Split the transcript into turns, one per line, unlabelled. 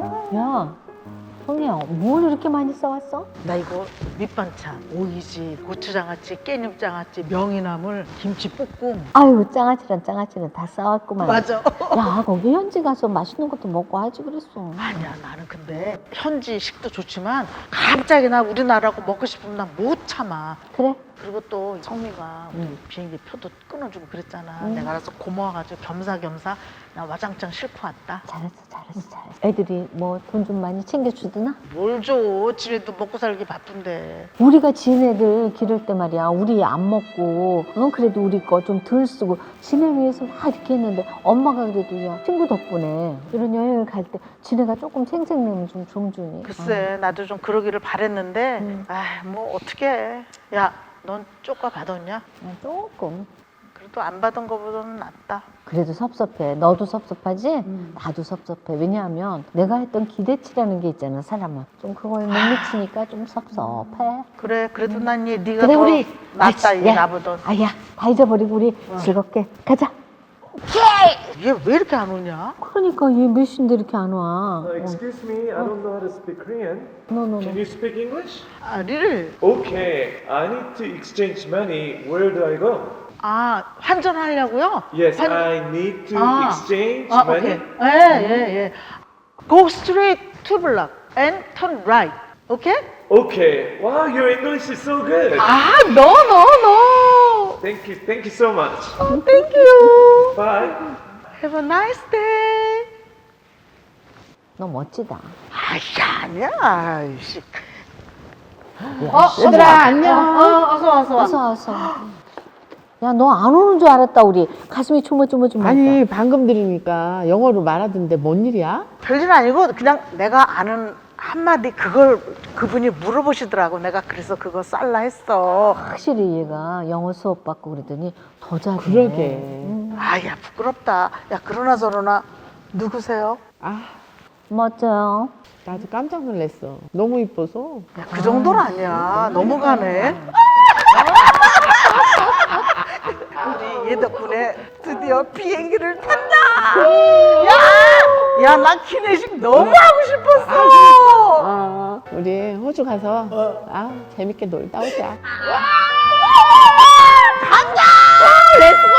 야, 성희야, 뭘 이렇게 많이 싸왔어?
나 이거 밑반찬, 오이지, 고추장아찌, 깻잎장아찌, 명이나물, 김치볶음.
아유, 장아찌는 다 싸왔구만.
맞아.
야, 거기 현지 가서 맛있는 것도 먹고 하지 그랬어.
아니야, 나는 근데 현지식도 좋지만 갑자기 나 우리나라고 먹고 싶으면 난 못 참아.
그래?
그리고 또 성미가 우리 비행기 표도 끊어주고 그랬잖아. 내가 알아서 고마워가지고 겸사겸사 나 와장창 싣고 왔다.
잘했어. 애들이 뭐 돈 좀 많이 챙겨주드나?
뭘 줘? 집에도 먹고 살기 바쁜데.
우리가 지네들 기를 때 말이야, 우리 안 먹고, 그래도 우리 거 좀 덜 쓰고, 지네 위해서 막 이렇게 했는데, 엄마가 그래도 야, 친구 덕분에 이런 여행을 갈 때 지네가 조금 생색내면 좀 좀 주니.
글쎄, 나도 좀 그러기를 바랬는데, 뭐 어떡해. 야, 넌 쪼까 받았냐?
조금.
그래도 안 받은 거보다는 낫다.
그래도 섭섭해. 너도 섭섭하지? 나도 섭섭해. 왜냐하면 내가 했던 기대치라는 게 있잖아, 사람은. 좀 그거에 못 미치니까 좀 섭섭해.
그래, 그래도 난 네가
그래,
더
우리
낫다,
아이씨,
이
야,
나보던.
아야, 다 잊어버리고 우리 즐겁게 가자.
얘 왜 이렇게 안 오냐?
그러니까 얘 몇 시인데 이렇게 안 와.
Excuse me, I don't know how to speak Korean.
너너너.
Can you speak English?
리를
Okay, I need to exchange money. Where do I go?
환전하려고요?
Yes, I need to exchange money.
오케이. 예. Go straight to block and turn right. Okay?
Okay. Wow, your English is so good.
No.
Thank you so much.
Thank you.
Bye.
Have a nice day.
너 멋지다.
아니야. 아이씨.
얘들아 안녕.
어서.
야, 너 안 오는 줄 알았다, 우리. 가슴이 조물조물.
아니 방금 들으니까 영어로 말하던데 뭔 일이야?
별일 아니고 그냥 내가 아는 한마디 그걸 그분이 물어보시더라고. 내가 그래서 그거 쌀라 했어.
확실히 얘가 영어 수업 받고 그러더니 더 잘해.
그러게.
야 부끄럽다. 야 그러나 저러나 누구세요?
아
멋져요.
나도 깜짝 놀랐어. 너무 이뻐서.
야, 그 정도는 아니야. 넘어가네. 우리 얘 덕분에 드디어 비행기를 탄다. 야, 나 기내식 너무 하고 싶었어.
우리 호주 가서 재밌게 놀다 오자.
간다. 렛츠고.